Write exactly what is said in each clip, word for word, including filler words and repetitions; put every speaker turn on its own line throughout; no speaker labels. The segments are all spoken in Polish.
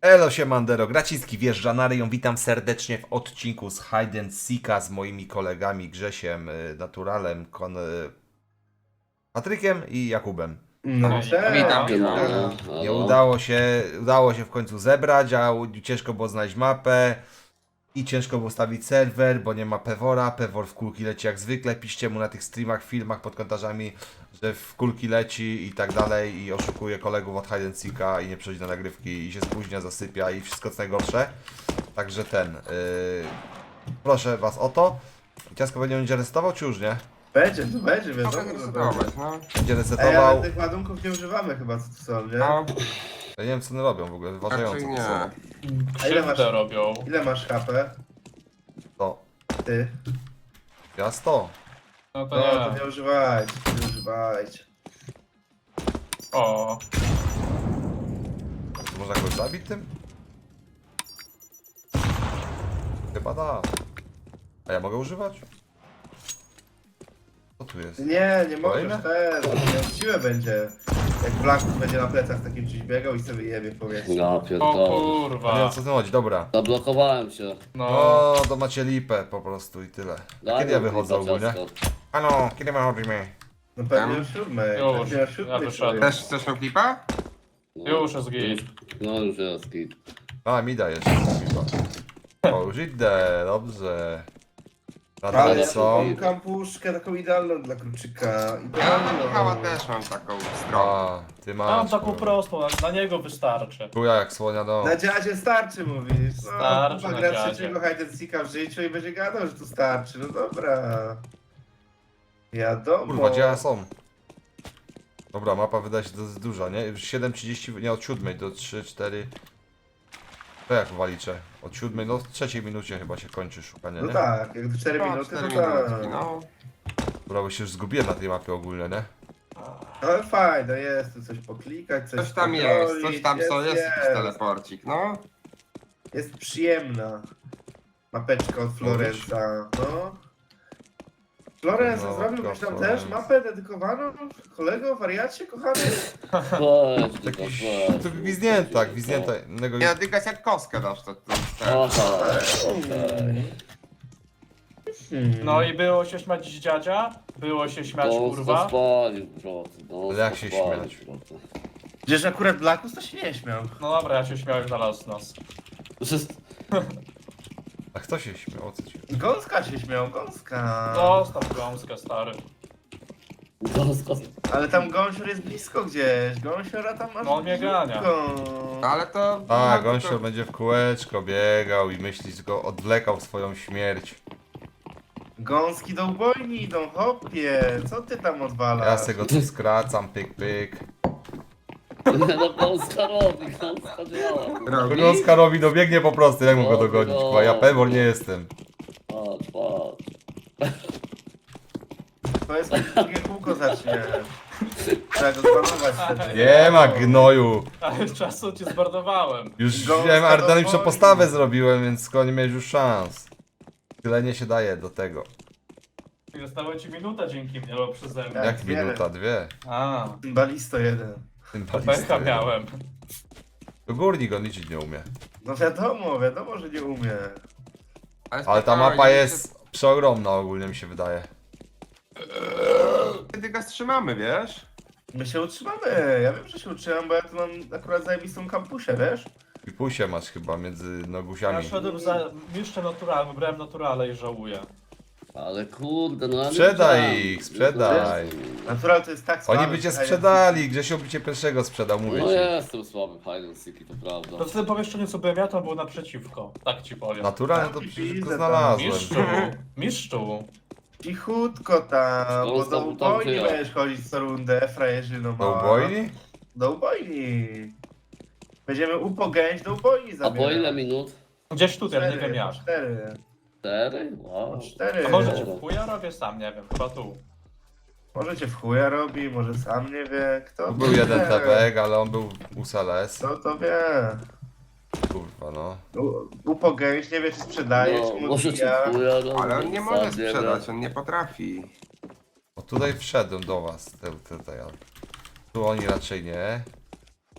Elo siemandero, Graciński wjeżdża na ryją. Witam serdecznie w odcinku z Hide and Seeka z moimi kolegami Grzesiem, y, Naturalem, Kon... y, Patrykiem i Jakubem.
No, cześć.
Witam,
witam.
Nie udało się, udało się w końcu zebrać, a u- ciężko było znaleźć mapę i ciężko było stawić serwer, bo nie ma Pewora. Pewor w kulki leci jak zwykle. Piszcie mu na tych streamach, filmach pod komentarzami, że w kulki leci i tak dalej i oszukuje kolegów od Hide and Seeka i nie przychodzi na nagrywki i się spóźnia, zasypia i wszystko co najgorsze. Także ten, yy, proszę was o to. Ciasko będzie będzie resetował czy już nie?
Będzie, to będzie, wiadomo,
Mogę
że będzie.
zdecydować, no.
Będzie
Ej,
resetował.
ale tych ładunków nie używamy chyba, co tu są, nie?
No,
Ja nie wiem co one robią w ogóle, wyważająco
raczej
to są.
nie.
A ile masz,
Krzywdę robią.
ile masz H P?
To,
Ty?
ja sto.
No to
No, to
nie.
nie używajcie, nie używajcie.
O,
To można kogoś zabić tym? Chyba da. A ja mogę używać? Co tu jest?
Nie, nie
Kolejne?
możesz też, nie, siłę będzie. Jak Black będzie na plecach takim czymś biegał i sobie jebie w powietrze.
Ja
o
pierdolę.
No nie wiem
kurwa.
co tu chodzi, dobra.
Zablokowałem się.
No,
No, to macie lipę po prostu i tyle. A
Daj
kiedy ja
mi
wychodzę
kilka
ogólnie?
ciastka.
Ano, kiedy my chodzimy?
No pewnie
Tam?
o siódmej,
Już,
pewnie o siódmej.
ja wyszedłem.
Też chcesz tą klipa?
No,
już jest git.
No już jest git.
A, mi dajesz. O, już idę, dobrze.
Ale
Nadal
ja
są.
mam kampuszkę taką idealną dla kluczyka.
Ja
Idealną.
Michała też mam taką stronę.
A, ty
Mam
masz.
taką
kurwa.
prostą, na, na niego wystarczy.
Chuja jak słonia do.
Na dziadzie starczy mówisz. No,
Starczy
chyba
na
gra
dziadzie.
trzeciego Hide and Seeka w życiu i będzie gadał, że tu starczy. No dobra. Wiadomo.
Kurwa, gdzie ja są? Dobra, mapa wydaje się dosyć duża, nie? Już siedem trzydzieści, nie od siódmej do trzy, cztery. To jak waliczę? Od siódmej, no w trzeciej minucie chyba się kończy szukanie,
No
nie?
tak, jak do cztery
No,
minuty,
cztery
to tak.
minutki, no.
Dobra, bo się już zgubiłem na tej mapie ogólnie, nie?
Ale fajne jest, tu coś poklikać, coś
Coś tam jest, coś
pokrolić,
tam co jest,
jest,
jakiś teleporcik, no.
jest przyjemna. Mapeczka od Florenza, no. Florence,
No,
zrobiłbyś tam
Florence.
też mapę dedykowaną? Kolego, wariacie, kochany?
Weź, tylko
Jakiś,
weź.
to gwiznięta, gwiznięta innego...
Ja tylko jak kostkę dasz, to... to, to.
Aha, okej.
Hmm.
No i było się śmiać z dziadzia, było się śmiać
To
kurwa.
spalił, bro. To
Ale jak się
spalił,
śmiać?
bro.
Przecież akurat Blackus to się nie śmiał.
No dobra, ja się śmiałem na los nos.
To jest...
A kto się śmiał? O co ci?
Gąska się śmiał, Gąska.
Zostaw gąskę, stary.
Gąska.
Ale tam Gąsior jest blisko gdzieś, Gąsiora tam masz
No, on mnie gania.
blisko.
Ale to...
A,
no,
Gąsior
to-
będzie w kółeczko biegał i myśli, że go odwlekał w swoją śmierć.
Gąski do ubojni idą, hopie, co ty tam odwalasz?
Ja se go tu skracam, pyk, pyk.
Nie no, Gąska robi, Gąska działa.
Robi?
Gąska robi, dobiegnie po prostu, jak mu go dogonić, kurwa, ja pewor nie jestem.
Patrz, patrz.
To jest drugie kółko zacznie. Trzeba go zbanować wtedy.
Nie ma gnoju.
Ale czasu cię zbardowałem.
Już
Gąska
wiem,
do
aerodynamiczną
wojny.
postawę zrobiłem, więc skoro nie miałeś już szans. Tyle nie się daje do tego.
Została ci minuta dzięki mnie, bo przeze mnie.
Tak,
Jak
dwie.
minuta, dwie.
A,
Balisto jeden.
Tym
pecha
balisty.
miałem.
To górnik on liczyć nie umie.
No wiadomo, wiadomo, że nie umie.
Ale ta
spokojnie,
mapa
my
jest przeogromna ogólnie mi się wydaje.
się- Kiedy go wstrzymamy, wiesz?
My się utrzymamy, ja wiem, że się utrzymam, bo ja tu mam akurat zajebistą kampusie, wiesz?
I pusie masz chyba między
Ja
nogusiami.
szedłem za mistrzem naturalnym, wybrałem naturale i żałuję.
Ale kurde, no ja nie
Sprzedaj
wiedziałem.
ich, sprzedaj.
Natural to jest tak
Oni
słaby,
by cię
że
sprzedali, Grzesio by cię pierwszego sprzedał, mówię
No
ci.
jestem słaby w hide and seeki, to prawda.
To w tym pomieszczeniu co byłem ja, to było naprzeciwko. Tak ci powiem.
Naturalnie to
Tam
przecież
widzę
go
tam.
znalazłem.
Mistrzu, mistrzu.
Cichutko tam, bo
Szkoda,
do
tam
ubojni
tyle.
będziesz chodzić co rundę, frajerzyno
Do
mała.
ubojni?
Do ubojni. Będziemy upogęć do ubojni
A
zabierać.
po ile minut?
Gdzieś tutaj, nie
Cztery,
wiem jak.
Cztery.
Cztery? Wow.
Cztery.
A może cię w chuja robię? Sam nie wiem, chyba tu.
Może cię w chuja robi, może sam nie wie. Kto
Tu
to
był jeden
wie?
tebek, ale on był u Seles.
Kto to wie?
Kurwa no.
U- Upogęć nie wie, czy sprzedaje,
No,
czy mu
może cię
odbija.
chuja robi,
Ale on nie
sam
może
wiem.
sprzedać, on nie potrafi.
O tutaj wszedłem do was. Te, te, te, ja. Tu oni raczej nie.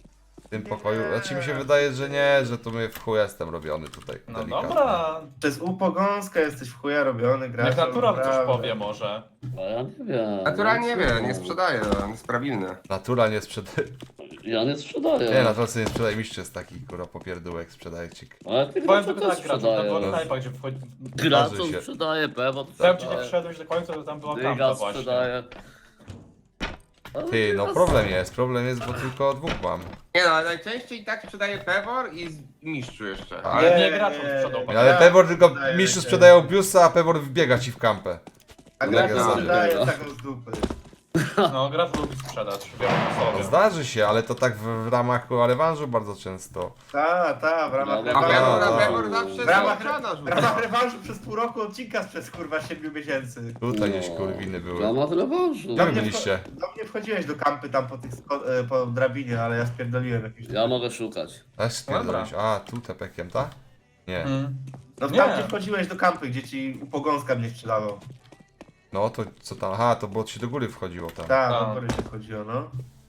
W tym pokoju. Znaczy mi się wydaje, że nie, że to my w chuj jestem robiony tutaj.
No
delikatnie.
dobra,
Przez upogąskę jesteś w chuja robiony, grasz.
niech natural coś powie może.
A ja nie wiem.
Natura nie wie, nie
wiem.
sprzedaje, on jest prawilny.
Natura nie sprzedaje.
Ja nie sprzedaję.
Nie, natura sobie nie sprzedaje. Mistrz jest taki, kurwa, popierdółek sprzedajcik.
Ale ty
Powiem
gracze
tylko
też
tak, gracz, na
sprzedają.
prototypach, gdzie wchodzi...
Graczom
Zdarzy się.
sprzedaje, pewno
Powiem ci, jak
sprzedaje.
wszedłeś do końca, to tam była kampa
Dygas
właśnie.
sprzedaje. Ale
Ty, no
Dygas-
problem jest, problem jest, bo tylko dwóch mam.
Nie no, ale najczęściej tak sprzedaje Pewor i z mistrzu jeszcze.
Ale-
Ale
Nie,
nie graczom
nie.
sprzedał.
Ale
Ja
Pewor tylko
sprzedaję
mistrzu
się.
sprzedają biusa, a Pewor wbiega ci w kampę.
A
No,
gracz
tak jest.
sprzedaje taką z dupy.
No, gracz lubi sprzedać, wiadomo
No,
sobie.
zdarzy się, ale to tak w, w ramach rewanżu bardzo często.
Ta, ta, w ramach
Dobra,
A
dobra.
Pewor, a
A.
Pewor zawsze
W ramach,
sprzedaż
w ramach rewanżu przez pół roku odcinka sprzed kurwa siedmiu miesięcy.
Tutaj
No,
gdzieś kurwiny były.
W ramach rewanżu.
Gdzie
Do
wy
mnie,
byliście?
wcho- do mnie wchodziłeś do kampy tam po, tych sko- e, po drabinie, ale ja spierdoliłem jakieś.
Ja mogę szukać.
A spierdolić. A, tu tepekiem, ta? Nie.
Hmm.
No w
Nie.
kampie wchodziłeś do kampy, gdzie ci upogąska mnie sprzedawał.
No to co tam? Aha, to bo ci do góry wchodziło tam.
Tak,
A.
do góry się wchodziło, no.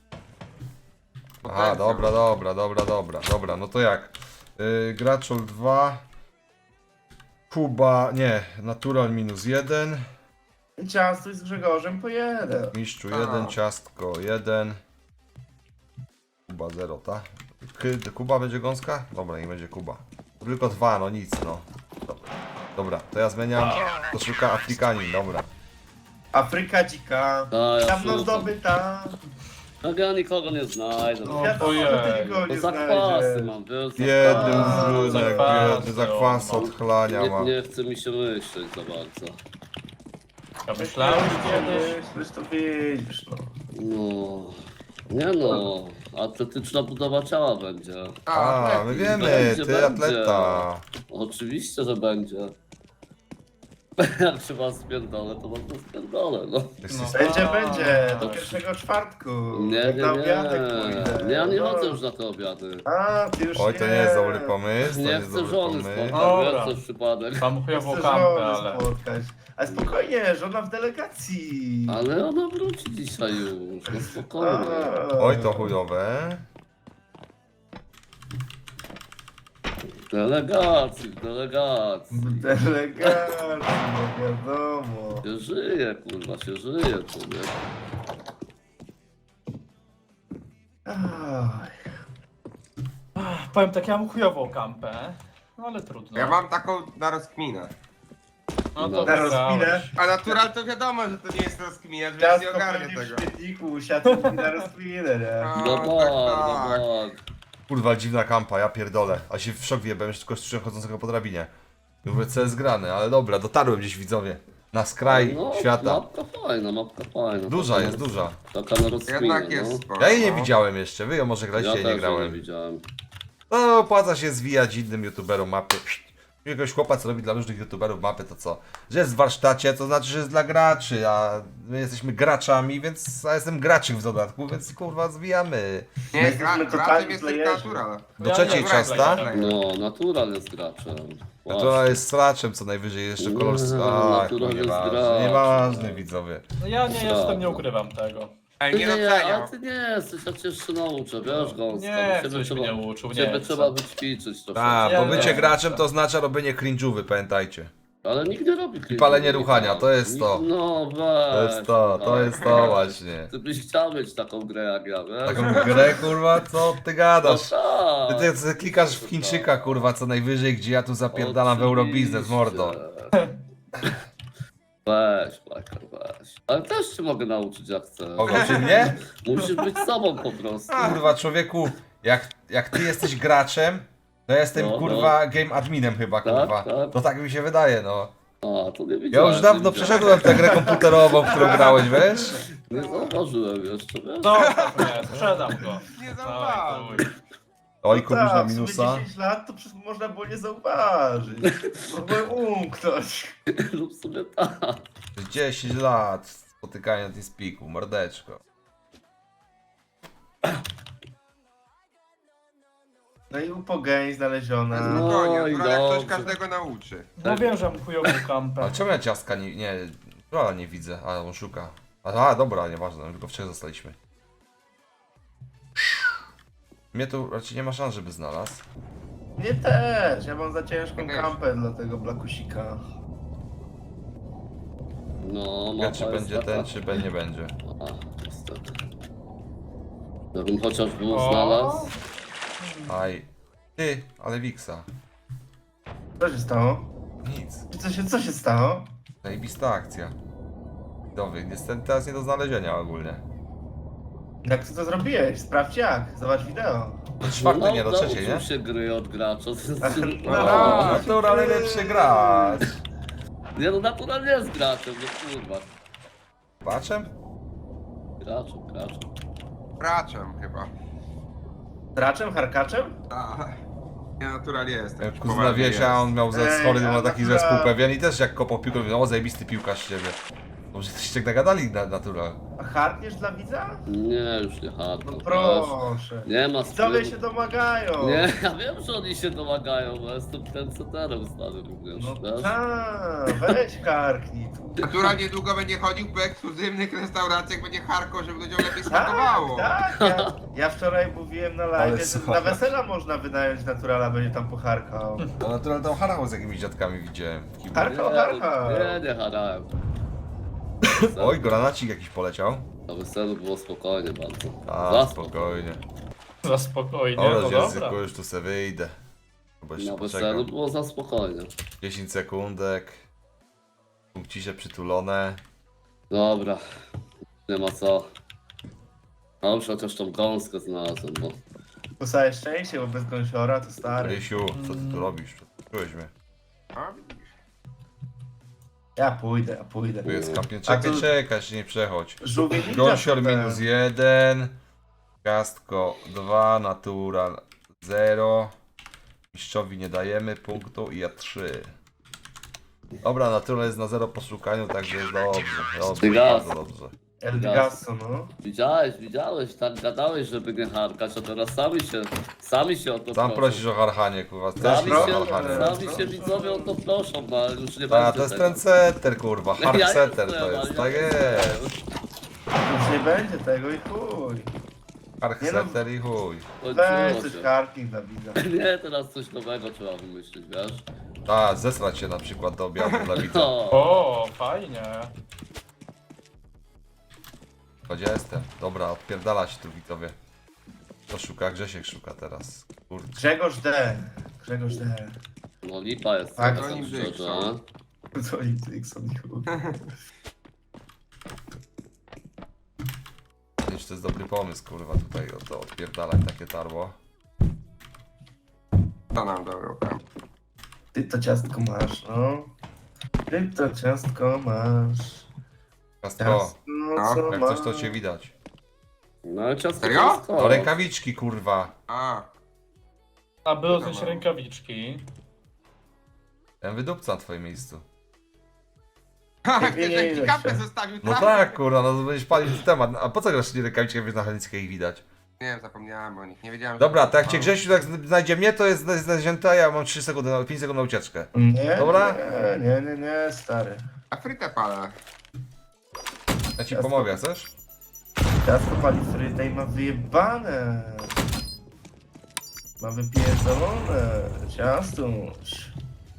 Aha, dobra, dobra, dobra, dobra, dobra, no to jak? Yy, Graczol dwa. Kuba, nie, Natural minus jeden.
I ciastuj z Grzegorzem po jeden.
Mistrzu
A.
jeden, ciastko jeden. Kuba zero, ta? Ky- Kuba będzie gąska? Dobra, nie będzie Kuba. Tylko dwa, no nic, no. Dobra, dobra to ja zmieniam. To szuka Afrykanin, dobra.
Afryka dzika.
A, ja
Dawno
szukam.
zdobyta.
Tak ja nikogo nie znajdę.
No,
Wiadomo,
ojej.
że ty nikogo
To
nie
zakwasy
znajdziesz.
mam, wiesz?
Biedny
zakwasy.
wrzunek,
zakwasy,
biedny zakwas
no.
odchlania ma.
Nie, nie chce mi się myśleć za bardzo.
Ja myślałem, że kiedyś...
Wiesz, to widzisz, no.
No. Nie no, atletyczna budowa ciała będzie.
A, my wiemy,
Będzie,
ty
będzie.
atleta.
Oczywiście, że będzie. Jak się was spierdolę, to was to spierdolę, no.
Jesteś-
No.
Będzie,
A.
będzie. Do pierwszego czwartku.
Nie,
Jak
nie,
na obiadek
nie.
pójdę.
Nie, ja nie
No.
chodzę już na te obiady.
A, ty już
Oj,
nie.
to nie jest dobry pomysł, to nie
Nie
jest
chcę
dobry
żony
pomysł.
spotkać,
Dobra.
wiesz, to jest przypadek.
Tam
Chcę
chujową
żonę
kampę, ale...
spotkać. Ale spokojnie, żona w delegacji.
Ale ona wróci dzisiaj już, no spokojnie.
A.
Oj, to chujowe.
W delegacji, w delegacji.
W delegacji, no wiadomo.
Się żyje, kurwa, się żyje, człowiek.
Aj.
Powiem tak, ja mam chujową kampę, no ale trudno.
Ja mam taką na rozkminę.
No
Na
to
rozkminę?
wygrałeś.
A natural to wiadomo, że to nie jest rozkminę, więc
Ciasto
nie ogarnię
pewnie w
tego.
śmietniku usiadł i na rozkminę, nie?
A,
No
tak,
tak,
tak.
no tak.
Kurwa, dziwna kampa, ja pierdolę. A się w szok wjebałem, że tylko słyszałem chodzącego po drabinie. Mówię, co jest grane, ale dobra, dotarłem gdzieś widzowie. Na skraj
No,
świata.
Mapka fajna, mapka fajna.
Duża
Taka
jest,
na-
duża.
Taka na rozkminę,
Jednak jest
no.
sporo.
Ja jej nie
no.
widziałem jeszcze, wy ją może graliście,
Ja
ja
też
nie
jej
grałem.
nie widziałem.
No, opłaca się zwijać innym youtuberom mapy. Jakiegoś chłopa, co robi dla różnych youtuberów mapy, to co? Że jest w warsztacie, to znaczy, że jest dla graczy, a my jesteśmy graczami, więc ja jestem graczem w dodatku, więc kurwa zwijamy.
Nie,
Jesteśmy
gra,
totalni
graczem jest tylko
playerzy.
natural.
Do
Ja
trzeciej
nie
ciasta.
grałem.
No, natural jest graczem.
To jest straczem co najwyżej, jeszcze kolor...
Nie,
A,
natural jest
nieważne,
graczem.
nieważne widzowie.
No ja nie jestem,
Prawda.
nie ukrywam tego.
Ej,
Ty
nie
nie,
doceniam.
ale ty nie jesteś, ja cię jeszcze nauczę, wiesz, gąska.
Nie,
bo ciebie
coś mnie uczył, nie
Ciebie
chcę.
trzeba wyćwiczyć trochę.
A,
Ja
bo bycie
wiem.
graczem to oznacza robienie cringe'ówy, pamiętajcie.
Ale nikt nie robi klipu.
palenie ruchania, to jest
Nikt-
to.
No weź.
To jest to, to
no.
jest to właśnie.
Ty byś chciał mieć taką grę jak ja, wiesz?
Taką grę, kurwa, co ty
No
gadasz?
tak.
Ty, ty klikasz w Chińczyka, kurwa, co najwyżej, gdzie ja tu zapierdalam w Eurobiznes, mordo.
Weź, Blacker, weź. Ale też cię mogę nauczyć jak chcesz.
Ogoczy mnie?
Musisz być sobą po prostu.
Kurwa, człowieku, jak, jak ty jesteś graczem, to ja jestem,
No, no.
kurwa, game adminem chyba,
Tak,
kurwa.
tak.
To tak mi się wydaje, no.
A, to nie
Ja
widziałem.
już dawno
nie widziałem.
przeszedłem tę grę komputerową, w którą grałeś, wiesz?
Nie zauważyłem jeszcze, wiesz?
No, nie, sprzedam go.
Nie
Dawaj,
zauważyłem.
chuj.
Oj, kubuś na
Tak, w sumie
minusa.
dziesięć lat to przecież można było nie zauważyć. Mogłem umknąć.
Lub sobie tak.
dziesięć lat spotykania na Teamspeaku, mordeczko.
No i upogeń znaleziona.
No.
Spokojnie,
i
natural jak ktoś
dobrze.
każdego nauczy.
No wiem, że mam chujową kampę.
Ale czemu ja ciastka nie... nie... Trolla nie widzę, a on szuka. A, a dobra, nieważne, tylko w trzech zostaliśmy. Mnie tu raczej nie ma szans, żeby znalazł.
Nie też, ja mam za ciężką
Też.
kampę dla tego Blakusika.
No,
Wie,
mapa
czy
jest
będzie
taka.
ten, czy B nie będzie.
A, niestety. Gdybym chociaż był
O.
znalazł.
Aj. Ty, ale Wiksa.
Co się stało?
Nic.
Co się, co się stało?
Zajebista akcja. Dobry, niestety teraz nie do znalezienia ogólnie.
Jak ty to zrobiłeś? Sprawdź jak, zobacz wideo.
Do czwartej, nie do
no,
trzeciej, nie?
nauczył się gry od gracza.
No,
O,
no,
natura najlepszy gracz.
Nie no, naturalnie jest graczem, no kurwa.
Baczem?
Graczem, graczem.
Braczem chyba.
Draczem, harkaczem?
A, ja naturalnie jestem.
Jak kuzyna Wiesia, on miał ze
Ej,
schory
a
na taki
natura-
zespół pewien i też jak kopał piłkę, mówił, o zajebisty piłkarz z ciebie. Może coś tak nagadali na natura.
A harkniesz dla widza?
Nie, już nie hardcore.
No proszę.
Nie ma
Widzowie
stylu.
się domagają.
Nie, ja wiem, że oni się domagają, bo jestem ten seterem stary również,
No
wiesz?
tak, weź harknij tu.
Natura niedługo będzie chodził po ekskluzywnych restauracjach, będzie harko, żeby ludziom lepiej
Tak,
smakowało.
tak. Ja, ja wczoraj mówiłem na
Ale
live, że
słuchaj.
na wesela można wynająć naturala, będzie tam pocharkał.
No natura tam harał z jakimiś dziadkami widziałem. w kiblu.
Harkał, harkał.
Nie, nie harałem.
Oj, granacik jakiś poleciał.
Na weselu było spokojnie bardzo.
A,
Za
spokojnie.
Za spokojnie,
Dobra,
no
z
dobra.
języku już tu se wyjdę. Chyba jeszcze
Na
poczekam.
weselu było za spokojnie.
dziesięć sekundek. Punkcisze przytulone.
Dobra, nie ma co. No już chociaż tą gąskę znalazłem, bo...
To całe szczęście, bo bez gąsiora to stary.
Rysiu, co ty tu robisz? Czułeś mnie.
A, widzisz.
Ja pójdę, ja pójdę.
Tu jest kampion.
A
Czekaj,
tu-
czekaj, się nie przechodź.
Żółwie ninja
Gąsior
to ten.
minus jeden. Gastko dwa, natural zero. Mistrzowi nie dajemy punktu i ja trzy. Dobra, natural jest na zero po szukaniu, także jest dobrze. Dobrze,
Dygas.
bardzo dobrze.
El Gasso, no.
Widziałeś, widziałeś, tak gadałeś, żeby nie harkać, a teraz sami się, sami się o to
Sam
proszą.
prosisz o harchanie, kurwa. Też
Sami
proszę
się,
o harchanie.
sami się widzowie o to proszą, no ale już nie
A,
będzie
to jest
tego.
ten setter, kurwa. Hard
Ja
setter
jestem,
to
ale
jest.
ja
Tak
jestem.
jest.
Już nie będzie tego i chuj.
Hard
Nie no.
setter i chuj.
Weź
Kończyło
coś
się.
harknij dla widza.
Nie, teraz coś nowego trzeba wymyślić, wiesz?
A, zesrać się na przykład do obiadu dla widza.
No,
O, fajnie.
Chodź, ja jestem. Dobra, odpierdala się tu widzowie. To szuka, Grzesiek szuka teraz. Kurde.
Grzegorz D. Grzegorz D.
no lipa jest,
Tak,
tak,
oni
tak szczerze.
Dixon.
Co oni Dixon i chuj.
Nie wiem, czy to jest dobry pomysł, kurwa, tutaj o to odpierdalać takie tarło.
To nam dobrą kam.
Ty to ciastko masz, no. Ty to ciastko masz.
Ciastko,
Ciastko,
No,
co
jak
masz.
coś to cię widać.
No ale ciasto
Serio?
ciasto.
To rękawiczki, kurwa.
A,
A było też
Dobra.
rękawiczki.
Ja wydupca na twoim miejscu.
ha,
Nie,
chcesz,
nie,
jak ci
nie,
kapę
się.
zostawił
No
tam?
tak, kurwa, no to będziesz palił w temat. A po co grasz nie rękawiczki, jak wiesz na Helickiej ich widać?
Nie wiem, zapomniałem o nich, nie wiedziałem, że
Dobra,
to
to jak cię
trwało.
Grzesiu tak znajdzie mnie, to jest znalezięte, a ja mam trzy sekundy, na- pięć sekund na ucieczkę.
Nie,
Dobra?
nie, nie, nie, nie, stary.
A frytę palę.
Ja ci
Ciastko.
pomogę, chcesz?
Ciastko pali frytę i ma wyjebane. Ma wypierdolone. Ciastuś.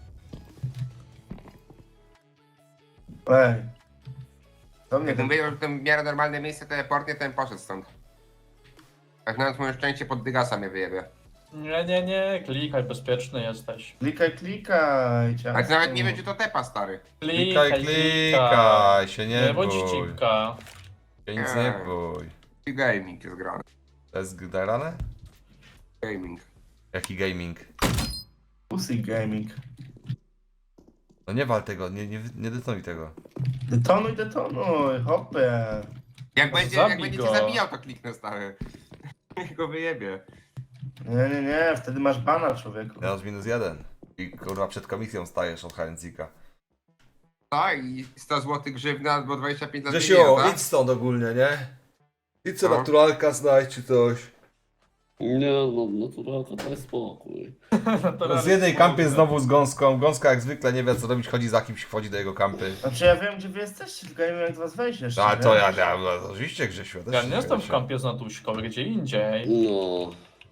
Ej. To mnie
Jakbym wiedział, że to w miarę normalne miejsce teleportnie, to bym poszedł stąd. Jak nawet moje szczęście pod dygasa mnie wyjebie.
Nie, nie, nie, klikaj, bezpieczny jesteś.
Klikaj, klikaj, ciastko.
Ale ty nawet nie wiem, czy to tepa, stary.
Klikaj, klikaj, się nie
Nie bądź
bój.
cipka.
Się nic nie bój.
I gaming jest grany.
To jest grane?
Gaming.
Jaki gaming?
Pussy Gaming.
No nie wal tego, nie, nie, nie detonuj tego.
Detonuj, detonuj, hopie.
Jak
Może
będzie, jak
zabij
będzie
go.
cię zabijał, to kliknę, stary. Niech go wyjebie.
Nie, nie, nie, wtedy masz bana, człowieku.
Ja już minus jeden. I kurwa przed komisją stajesz od Harencika.
Tak, i sto złotych grzywna albo dwadzieścia pięć lat
Grzesiu,
więzienia, tak?
idź stąd ogólnie, nie? Idź co
No.
naturalka znajdź czy coś.
Nie no, naturalka daj spokój.
No z jednej kampy znowu z gąską. Gąska jak zwykle nie wie co robić, chodzi za kimś, wchodzi do jego kampy.
Znaczy ja wiem, gdzie wy jesteście, tylko ja nie wiem, jak do was wejść jeszcze.
A
nie?
to ja, ja no, oczywiście Grzesiu. ja też
Ja
się
nie jestem w
zgadzam.
kampie z Natuśką, gdzie indziej.
No,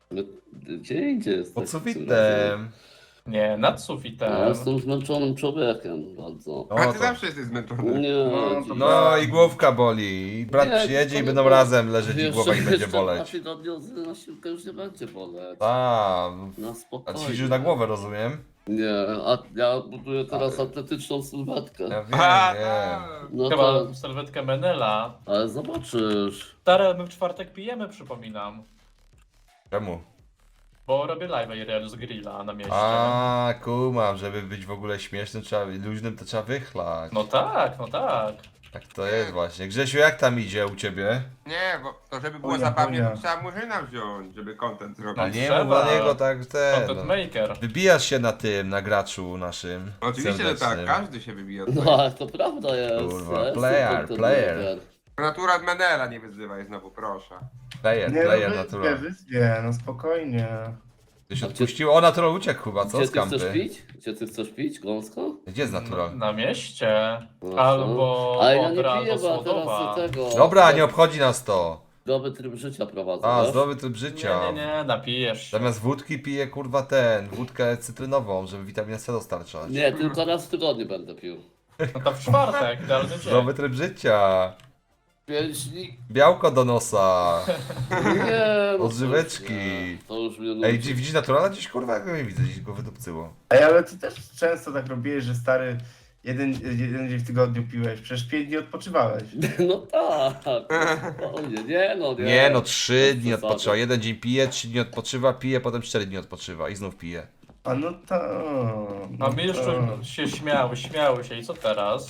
My, gdzie idzie jest?
Pod sufitem.
Nie, nad
Ja
sufitem.
jestem zmęczonym człowiekiem bardzo.
No,
A ty
to...
zawsze jesteś zmęczony.
Nie,
No, to
no i główka boli. I brat
Nie,
przyjedzie i
to-
będą
to-
razem leżeć i
Jeszcze-
głowa i będzie
jeszcze
boleć.
dwa tygodnie na siłkę już nie będzie boleć.
A,
Na
a
spokojnie.
ćwiczysz na głowę, rozumiem?
Nie, a ja buduję teraz atletyczną sylwetkę.
Ja wiem,
A,
wiem.
No
Chyba
to,
serwetkę Menela.
ale zobaczysz.
Stare, my w czwartek pijemy, przypominam.
Czemu?
Bo robię live i real z grilla na mieście.
A, kumam, żeby być w ogóle śmiesznym, trzeba, luźnym, to trzeba wychlać.
No tak, no tak.
Tak to jest właśnie. Grzesiu, jak tam idzie u ciebie?
Nie, bo to żeby było
Chuja,
zabawnie,
chuja.
to trzeba murzyna wziąć, żeby content zrobić.
A
No
nie
trzeba.
mów dla niego tak ten.
Content
No.
maker.
Wybijasz się na tym, na graczu naszym.
Oczywiście, że tak,
serdecznym.
każdy się wybija.
No ale to prawda jest.
Kurwa,
ja jestem
player,
content
player.
maker.
Natura Menela nie wyzywaj znowu, proszę.
Player,
Nie,
player
no
natural.
wyspie, wyspie, no spokojnie.
Ty się
A gdzie-
odpuścił? O, natural uciekł chyba, co?
Gdzie
Z
ty chcesz
kampy.
pić? Gdzie ty chcesz pić, gąsko?
Gdzie jest natural?
Na mieście.
No,
Albo
Ale ja nie
Odra,
piję,
albo
bo ja
Słodowa.
teraz tego...
Dobra, nie obchodzi nas to.
Zdrowy tryb życia prowadzę,
A,
wiesz?
zdrowy tryb życia.
Nie, nie, nie, napijesz się.
Zamiast wódki piję kurwa ten, wódkę cytrynową, żeby witaminę C dostarczać.
Nie, tylko raz w tygodniu będę pił.
No to w czwartek, idealny dzień.
Zdrowy tryb życia.
Pięć dni.
Białko do nosa.
Nie, no
Odżyweczki.
to już nie. To już mnie nudzi.
Ej, gdzie- widzisz naturala gdzieś kurwa? Jak go nie widzę, gdzieś go wydupcyło.
Ej, ale ty też często tak robiłeś, że stary jeden, jeden dzień w tygodniu piłeś, przecież pięć dni odpoczywałeś.
No tak. O nie, nie no, nie.
Nie no, trzy
Bez
dni
przesady.
odpoczywa. Jeden dzień pije, trzy dni odpoczywa, pije, potem cztery dni odpoczywa i znów pije.
A no to...
A my jeszcze
to.
się śmiały, śmiały się i co teraz?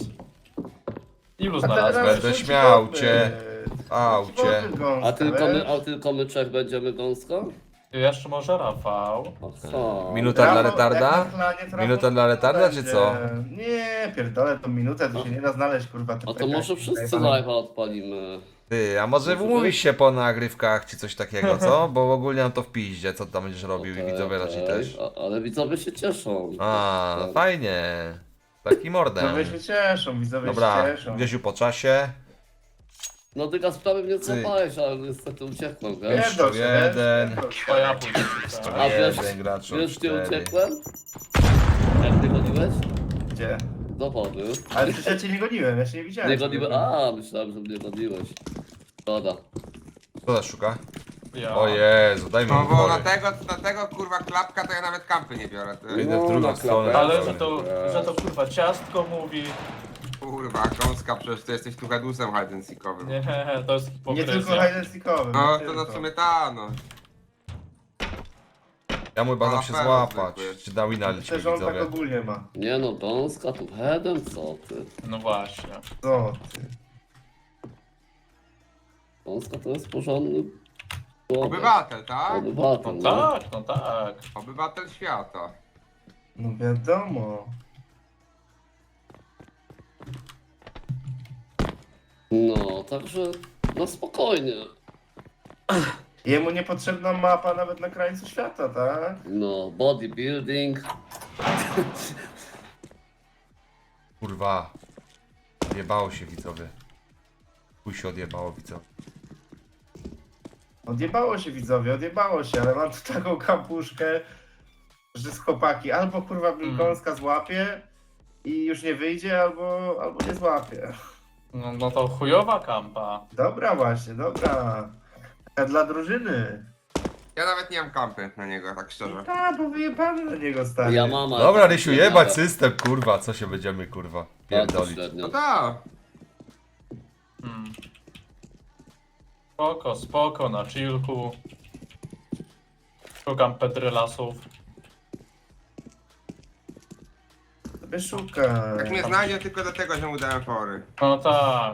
Ilu
A
znalazłeś?
teraz
Będę
ci
śmiał
popyt.
cię.
Ci
Aucie.
popyt gąska,
A tylko my,
wiesz?
a tylko my trzech będziemy gąsko?
Jeszcze może Rafał.
Aha.
Minuta dla
Rafał,
retarda?
jak na planie, to Rafał
Minuta dla retarda, czy
będzie.
co?
Nie, pierdolę, to minutę, to się nie da znaleźć, kurwa. te
A to
pekaki
może wszyscy
zajebane.
live'a odpalimy.
Ty, a może umówisz się po nagrywkach czy coś takiego, co? Bo ogólnie mam to w piździe, co tam będziesz robił i
Okej,
widzowie raczej
okej.
też.
A, ale widzowie się cieszą.
A,
Tak.
fajnie. Taki mordem.
Widzowie się cieszą, widzowie
Dobra,
się cieszą.
Grzesiu po czasie.
No ty sprawy mnie złapałeś, ale niestety uciekłem, wiesz?
Pierdol się, wiesz?
jeden.
Pierdol się.
To ja pójdę.
A wiesz,
Jeden gracz od
wiesz gdzie
cztery.
uciekłem? Jak ty goniłeś?
Gdzie?
Do wody.
Ale przecież ja cię nie goniłem, ja cię nie widziałem.
Nie goniłem, a myślałem, że mnie goniłeś. Szkoda.
Kto nas szuka?
Ja.
O Jezu, daj mi
No bo
pory.
dlatego, dlatego kurwa klapka to ja nawet kampy nie biorę. Ty.
Idę w
No,
drugą
na
stronę.
klapę.
Ale że to, że to kurwa ciastko mówi.
Kurwa, gąska, przecież ty jesteś tu hedusem hide and seekowym.
Nie, to jest
Nie tylko
hipokryzja.
hide and seekowym.
No
nie
to
tylko.
no w sumie ta, no.
Ja mój badam
A,
się
pewno
złapać.
zwykły.
Czy na wina lecimy
Myślę, że on tak
widzowie.
ogólnie ma.
Nie no, gąska tu headem, co ty?
No właśnie.
Co ty?
Gąska to jest porządny człowiek.
Obywatel, tak?
Obywatel,
No
no.
tak, no tak.
Obywatel świata.
No wiadomo.
No, także no spokojnie.
Jemu niepotrzebna mapa nawet na krańcu świata, tak?
No, bodybuilding.
Kurwa. Odjebało się widzowie. Chuj się odjebało widzowie.
Odjebało się widzowie, odjebało się, ale mam tu taką kapuszkę, że z chłopaki albo kurwa
Mm.
gąska złapie i już nie wyjdzie, albo, albo nie złapie.
No, no to chujowa kampa.
Dobra właśnie, dobra. Taka dla drużyny.
Ja nawet nie mam kampy na niego, tak szczerze.
A, bo wyjebany na niego stary.
Ja mam. ale
Dobra
tak
Rysiu,
nie
jebać
jadę.
system kurwa, co się będziemy kurwa
Bardzo
pierdolić.
średnio.
No tak.
Hmm. Spoko, spoko, na chillku. Szukam petrylasów.
Sobie szuka.
Jak mnie znajdzie tylko dlatego, że mu dałem fory.
No tak.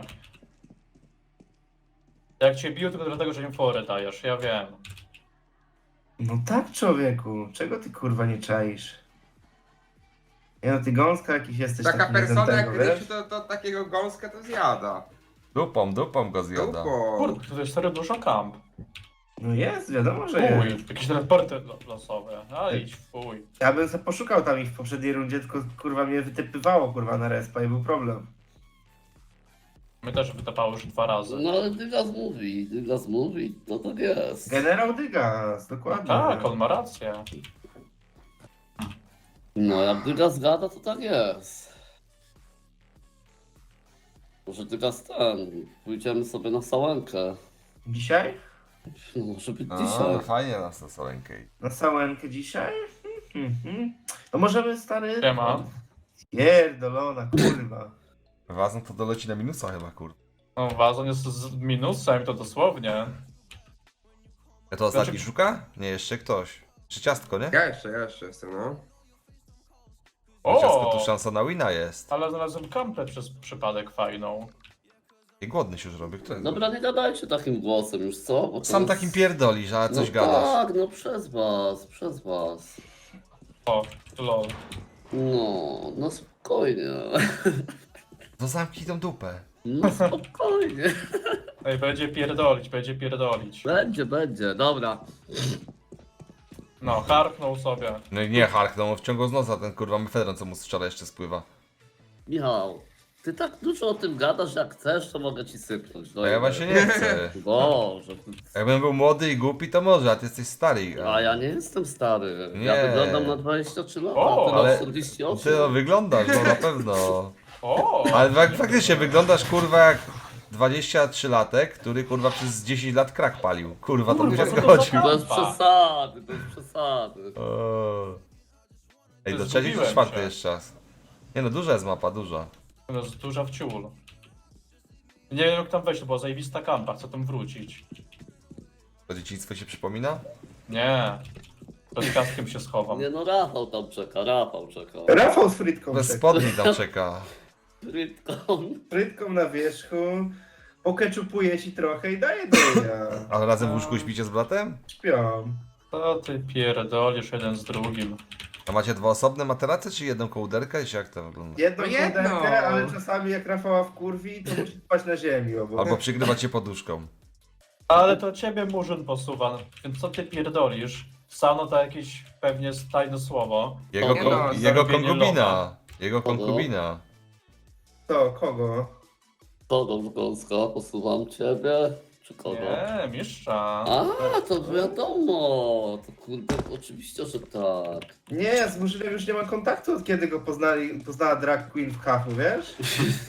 Jak cię bił, tylko dlatego, że im fory dajesz, ja wiem.
No tak człowieku, czego ty kurwa nie czaisz? Nie no, ty gąska jakiś jesteś
Taka
taki
persona jak
niezętego, wiesz?
Rysiu, to, to takiego gąska to zjada.
Dupą, dupą go zjada.
Dupo.
Kurde, tu jest serio dużo kamp.
No jest, wiadomo, że
Fuj,
jest.
jakieś transporty lo- losowe. A idź, fuj.
Ja bym sobie poszukał tam ich w poprzedniej rundzie, tylko kurwa mnie wytypywało kurwa na respa i był problem.
My też wytapało już dwa razy.
No ale Dygas mówi, Dygas mówi, no tak jest.
Generał Dygas, dokładnie.
Tak, on ma rację.
No jak Dygas gada, to tak jest. Może Dygas ten, pójdziemy sobie na sałenkę.
Dzisiaj?
No, może być
A,
dzisiaj.
fajnie nas na solenkę.
Na sałenkę dzisiaj? Mhm. No możemy, stary...
Siema.
Pierdolona, kurwa.
Wazon to doleci na minusa chyba, kur.
No, wazon jest z minusem, to dosłownie.
Ja to ostatni
Znaczy-
szuka? Nie, jeszcze ktoś. Czy ciastko, nie?
Ja jeszcze, ja jeszcze jestem, no.
Bo ciastko
O!
tu szansa na wina jest.
Ale znalazłem kampę przez przypadek fajną.
I głodny się już robi. Kto jest?
Dobra, nie gadajcie takim głosem już, co? Bo to
Sam
jest-
takim pierdolisz, a coś
no
gadasz.
tak, no przez was, przez was.
O, lol.
No, no spokojnie.
No zamknij tą dupę.
No spokojnie.
Ej, będzie pierdolić, będzie pierdolić.
Będzie, będzie, dobra.
No, harknął sobie.
No i nie harknął, wciągał z nosa ten kurwa mefedron, co mu z wczoraj jeszcze spływa.
Michał, ty tak dużo o tym gadasz, jak chcesz, to mogę ci sypnąć. No
A ja
i-
właśnie nie chcę.
Boże, ty-
Jakbym był młody i głupi, to może, a ty jesteś stary.
a ja nie jestem stary. Ja
Nie.
wyglądam na dwadzieścia trzy lata,
O,
a ty
ale
na czterdzieści osiem.
Ty no, wyglądasz, no na pewno.
O!
Ale fak- faktycznie wyglądasz kurwa jak dwadzieścia trzy latek, który kurwa przez dziesięć lat krak palił. Kurwa, to by
Kurwa,
się
co to
zgodził.
za-
Bez przesady, bez przesady.
O. Ej,
Ty
do trzeciej czy
zgubiłem
czwartej
się.
jeszcze czas? Nie no, duża jest mapa, duża.
To jest duża w ciul. Nie wiem jak tam wejść, to była zajebista kampa, chcę tam wrócić.
To dzieciństwo się przypomina?
Nie. Pod kaskiem się schowam.
Nie no, Rafał tam czeka, Rafał czeka.
Rafał z frytką.
Bez
czeka.
spodni tam czeka.
Frytką.
Frytką na wierzchu. Pokeczupuje ci trochę i daje do ja.
Ale razem w łóżku śpicie z bratem?
Śpią.
To ty pierdolisz jeden z drugim.
A macie dwa osobne materace, czy jedną kołderkę? I jak to wygląda?
Jedną
No jedno.
kołderkę, ale czasami jak Rafała wkurwi, to musi spać na ziemi obok.
Albo przykrywacie poduszką.
Ale to ciebie murzyn posuwa, więc co ty pierdolisz? Sano to jakieś pewnie tajne słowo.
Jego,
Nie
kon-
no,
jego
zarobienie
konkubina.
locha.
Jego konkubina.
To, kogo?
Kogo w Gąska? Posuwam ciebie? Czy kogo?
Nie, mistrza.
A, to wiadomo. To kurde, oczywiście, że tak.
Nie, ja z Murzynem już nie mam kontaktu od kiedy go poznali, poznała drag queen w kafu, wiesz?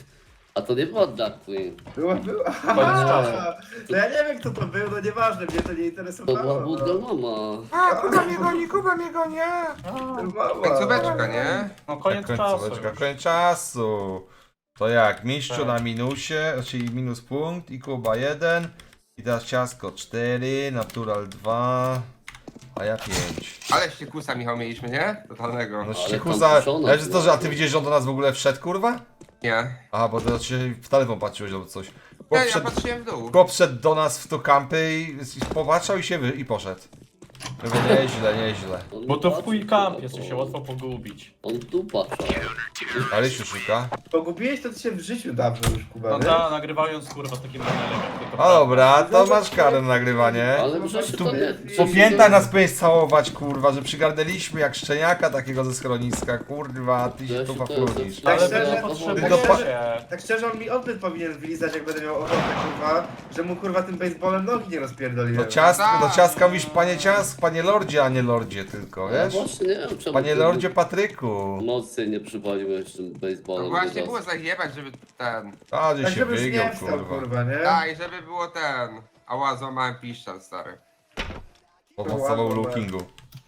A to nie była drag queen.
Była, była.
Koniec czasu.
No ja nie wiem kto to był, no nieważne, mnie to nie
To
interesowało.
była
No.
Budda Mama.
A, Kuba mnie goni, Kuba mnie goni!
A,
Mama.
Końcóweczka, nie?
no koniec
Tak,
czasu
końcóweczka,
już.
koniec czasu. To jak? Mistrzu
Tak.
na minusie, czyli minus punkt i Kuba jeden. I teraz ciasko cztery, natural dwa, a ja pięć.
Ale ściekusa, Michał, mieliśmy, nie? Totalnego.
No
Ale
ściekuza,
tam puszona
ale że to, że, a ty
była.
widzisz, że on do nas w ogóle wszedł, kurwa?
Nie.
Aha, bo ty się w telefon patrzyłeś albo coś.
Ja,
Chłop
ja
wszedł,
patrzyłem w dół.
chłop wszedł do nas w to kampy i, i popatrzał i się wy, i poszedł. Mówię, nieźle, nieźle.
On
Bo to w
patrzył
chuj
na
kamp,
to.
jest się łatwo pogubić.
On tu patrzył.
Ale się szuka.
Pogubiłeś to ty się w życiu dawno już, Kuba,
No
nie?
ta, nagrywając kurwa z takim panelem jak tylko
A dobra, to masz karę na nagrywanie.
Ale Grzesiu
Tu
to nie...
Po piętach nas powinieneś całować, kurwa, że przygarnęliśmy jak szczeniaka takiego ze schroniska, kurwa, a ty się
Grzesiu,
tu
to jest
paflunisz.
Tak
Ale
szczerze,
wy nie
to-
potrzebujecie.
to pa-
Tak szczerze, on mi odbyt powinien wylizać, jak będę miał ochotę, kurwa, że mu kurwa tym baseballem nogi nie rozpierdoliłem.
Do ciastka, do ciastka mówisz panie ciask, panie lordzie, a nie lordzie tylko,
Ja
wiesz?
właśnie nie wiem czemu
Panie
ty
lordzie Patryku.
mocniej nie przywaliłeś tym
No
baseballem.
właśnie
teraz.
było zajebać, żeby ten...
A, że
Tak
się
żebyś
wygiął,
nie wstał,
kurwa.
kurwa, nie?
Tak, i żeby było ten... Ała, złamałem piszczal, stary.
Podmocował lookingu.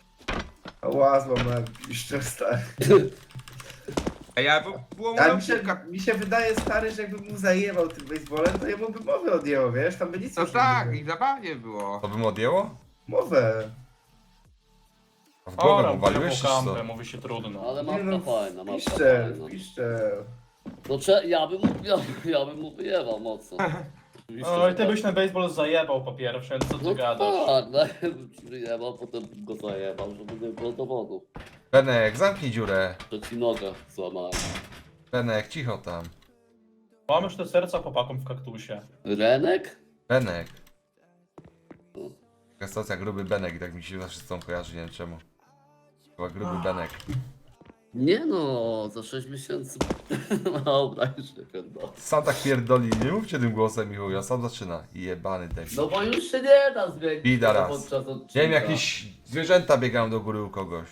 Ła, złamałem piszczel, stary.
Ej, ale było, było
Ale
moja
mi się,
piłka.
mi się wydaje, stary, że jakbym mu zajebał tym baseballem, to jemu by mowę odjęło, wiesz? Tam by nic
No
już nie
tak,
było.
i zabawnie było.
To by mu odjęło?
Mowę.
A w głowę
Ora,
mu waliłeś, czy
kampę,
co?
mówi się trudno.
Ale
Nie
mapka
no,
fajna, mapka
piszczel,
fajna.
piszczel.
No cze, ja bym, ja, ja bym mu wyjebał mocno. Oczywiście,
Oj,
że
ty
tak.
byś ten baseball zajebał po pierwsze, co ty
No
gadasz?
tak, najpierw wyjebał, potem bym go zajebał, żeby nie było dowodu.
Benek, zamknij dziurę.
Że ci nogę złamałem.
Benek, cicho tam.
Mam już te serca chłopakom w kaktusie.
Renek?
Benek. Taka stacja gruby Benek, tak mi się zawsze z tą kojarzy, nie wiem czemu. Chyba gruby Benek.
Nie no, za sześć miesięcy. Dobra, już nie pierdolę.
Sam tak pierdoli, nie mówcie tym głosem, Michu, ja sam zaczyna. Jebany debil.
No bo już się nie da zmienić.
Bida raz.
podczas odcinka.
Nie wiem, jakieś zwierzęta biegają do góry u kogoś.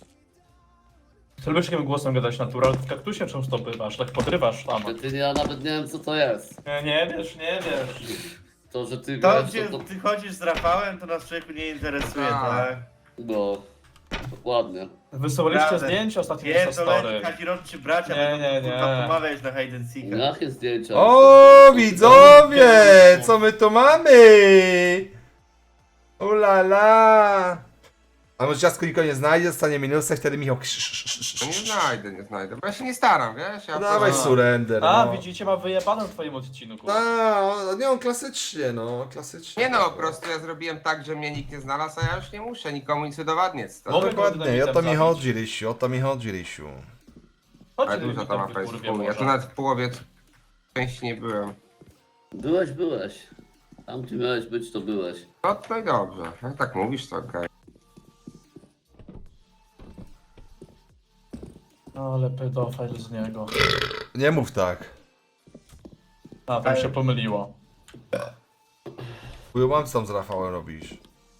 Ty lubisz takim głosem gadać natural? W kaktusie często bywasz, tak podrywasz tam.
Ty, ty, ja nawet nie wiem co to jest.
Nie, nie wiesz, nie wiesz.
To, że ty
To,
wiesz,
gdzie
to, to...
ty chodzisz z Rafałem, to nas człowieku nie interesuje,
Tak.
tak?
No, dokładnie.
Wysyłaliście
Prawda.
zdjęcia ostatnio na
Pierdoleni
story.
kazirodczy bracia,
Nie,
będą
nie,
kurwa
nie.
pomawiać na hide and seeka.
Jakie zdjęcia?
O, widzowie, co my tu mamy? Ulala. A może ciastko nikogo nie znajdzie, dostanie minusy, wtedy Michał krzyż, krzyż, krzyż,
No nie
krzyż.
znajdę, nie znajdę. Bo ja się nie staram, wiesz? Ja
No dawaj
po-
surrender,
A,
no.
widzicie, ma wyjebane w twoim odcinku.
A, nie, on klasycznie, no, klasycznie.
Nie no, po prostu ja zrobiłem tak, że mnie nikt nie znalazł, a ja już nie muszę nikomu nic udowadniać. To...
No
Mogę
dokładnie,
go
o to mi
zabić.
chodzi, Rysiu, o to mi chodzi, Rysiu.
Chodź,
Ale dużo tam mapa jest w chuj. Ja tu nawet w połowie części nie byłem.
Byłeś, byłeś. Tam gdzie miałeś być, to byłeś.
No to i dobrze. Jak tak mówisz, to okej.
Ale pedofil z niego.
Nie mów tak.
A, tam się pomyliło.
Chuju mam, co tam z Rafałem robisz.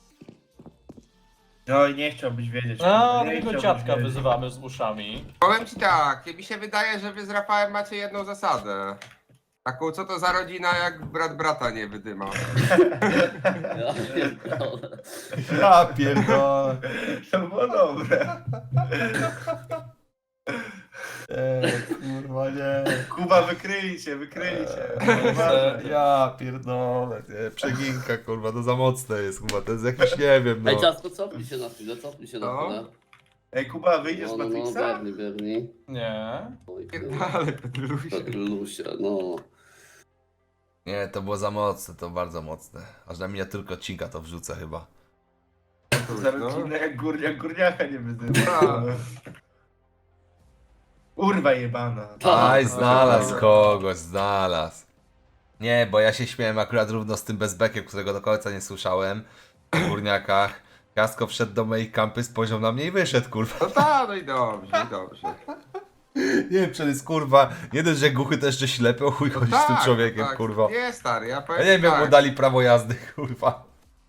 No i nie chciałbyś wiedzieć.
A,
kurwa, nie
jego
chciałbyś
dziadka
wiedzieć.
wyzywamy z uszami.
Powiem ci tak, mi się wydaje, że wy z Rafałem macie jedną zasadę. Taką, co to za rodzina, jak brat brata nie wydyma.
Ja pierdolę.
Ja pierdolę.
To było dobre.
Eee, kurwa nie.
Kuba, wykryli cię, wykryli cię.
Ja pierdolę, nie, przeginka kurwa, to za mocne jest kurwa, to jest jakiś, nie wiem no.
Ej, ciasko, cofnij się na chwilę, cofnij się na
No.
chwilę.
Ej, Kuba, wyjdziesz
No,
z
no, no,
Matrixa?
biegnij, biegnij.
Nie.
Oj,
Ale Petrusie.
Petrusie, no.
Nie, to było za mocne, to bardzo mocne. Aż na miniaturkę odcinka to wrzucę chyba.
Za
No.
rodzinę jak górniak górniaka nie wyzywa.
Tak.
Urwa jebana.
Aj,
no,
znalazł
no.
kogoś, znalazł. Nie, bo ja się śmiałem akurat równo z tym bezbekiem, którego do końca nie słyszałem. W górniakach. Kasko wszedł do mojej kampy, spojrzał na mnie i wyszedł, kurwa.
No tak, no i dobrze, i dobrze.
Nie wiem, przecież kurwa, nie dość, że głuchy, to jeszcze ślepy, o chuj chodzi z tym
Tak,
człowiekiem,
tak.
kurwa.
Nie, stary, ja
Ja
powiem
nie wiem, jak
tak.
mu dali prawo jazdy, kurwa.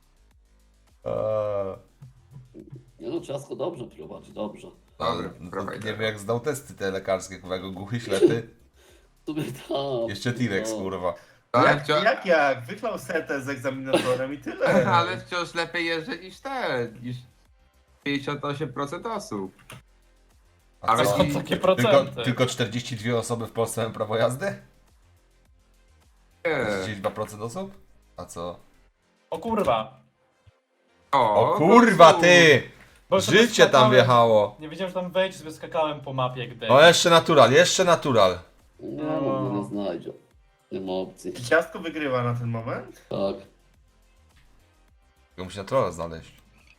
Eee,
Nie no, ciasko dobrze prowadzi, dobrze.
ale
Dobra,
no to
dawaj,
nie
dawaj.
wiem, jak zdał testy te lekarskie, kurwa, jako głuchy, ślepy.
W sumie tam.
Jeszcze T-Rex,
no.
kurwa.
Ale,
Jak,
wciąż,
jak, jak? Wyklał setę z egzaminatorem i tyle.
ale wciąż lepiej jeżdżę niż te, niż pięćdziesiąt osiem procent osób.
A
Ale
co?
Są
i-
takie
Tylko,
procenty.
tylko czterdzieści dwie osoby w Polsce mają prawo jazdy?
Nie.
czterdzieści dwa procent osób? A co?
O kurwa.
O
no
kurwa
cóż.
ty!
Bo sobie
Życie tam
skakałem-
wjechało.
Nie wiedziałem, że tam wejść, sobie skakałem po mapie jak
O,
debil.
jeszcze natural, jeszcze natural.
Nie, no, mnie nie znajdzie. Nie ma opcji.
Czy ciastko wygrywa na ten moment?
Tak.
Tylko musi naturala znaleźć.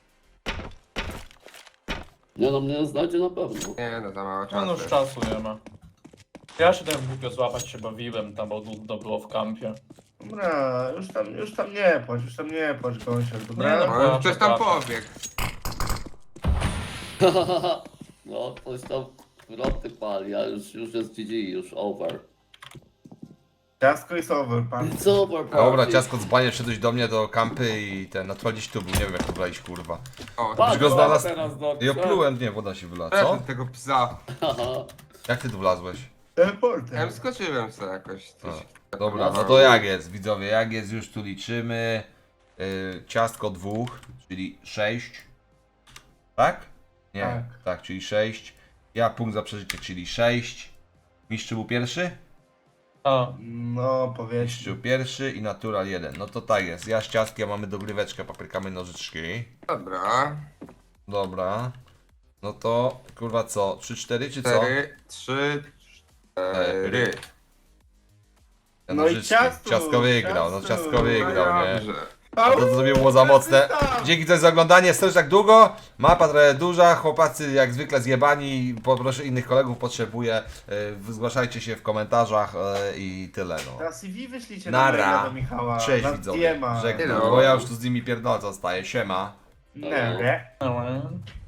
Nie no, mnie nie znajdzie na pewno.
Nie, no za mało
No, no już
czasu.
czasu nie ma. Ja się tam głupio złapać się bawiłem tam, bo nudno było w kampie.
Dobra, już tam, już tam nie płacz, już tam nie płacz, Gąsior,
Nie,
dobra?
no.
No, już ktoś tam
Przepraszam.
pobiegł.
No, ktoś tam wroty pali, a już, już jest G G, już over.
Ciastko jest over, pan.
It's over,
Dobra,
party.
ciasko dzbanie, wszedłeś do mnie do kampy i ten, natural gdzieś tu był, nie wiem jak tu brałeś, kurwa.
O,
Patrz,
go znalazł-
teraz do
I oplułem, nie, woda się wylała,
co?
co?
Tego psa.
Haha.
Jak ty tu wlazłeś?
Ja
Teleporter.
wskoczyłem sobie jakoś. Coś.
Dobra, no to jak jest, widzowie, jak jest, już tu liczymy. Yy, ciastko dwóch, czyli sześć. Tak? Nie, tak,
Tak.
czyli sześć. Ja punkt za przeżycie, czyli sześć. Mistrzu był pierwszy?
A,
No, powiedz.
Mistrzu pierwszy i natural jeden. No to tak jest, ja z ciastkiem mamy dogryweczkę, paprykamy nożyczki.
Dobra.
Dobra. No to, kurwa co, trzy cztery czy co?
Cztery, trzy, cztery.
Ja
No i
nożyczki.
ciastu,
Ciastko wygrał, no
ciastu.
ciastko wygrał, nie?
Dobrze.
A to, to sobie było za mocne. Dzięki za oglądanie, stoisz tak długo. Mapa trochę duża, chłopacy jak zwykle zjebani. Poproszę innych kolegów, potrzebuję. Yy, zgłaszajcie się w komentarzach yy, i tyle no.
Na C V wyślijcie
Nara.
na maila do Michała.
Cześć
na
widzowie,
D M a.
żegnam,
Hello.
bo ja już tu z nimi pierdolę zostaję, siema.
Nie, nie.
no,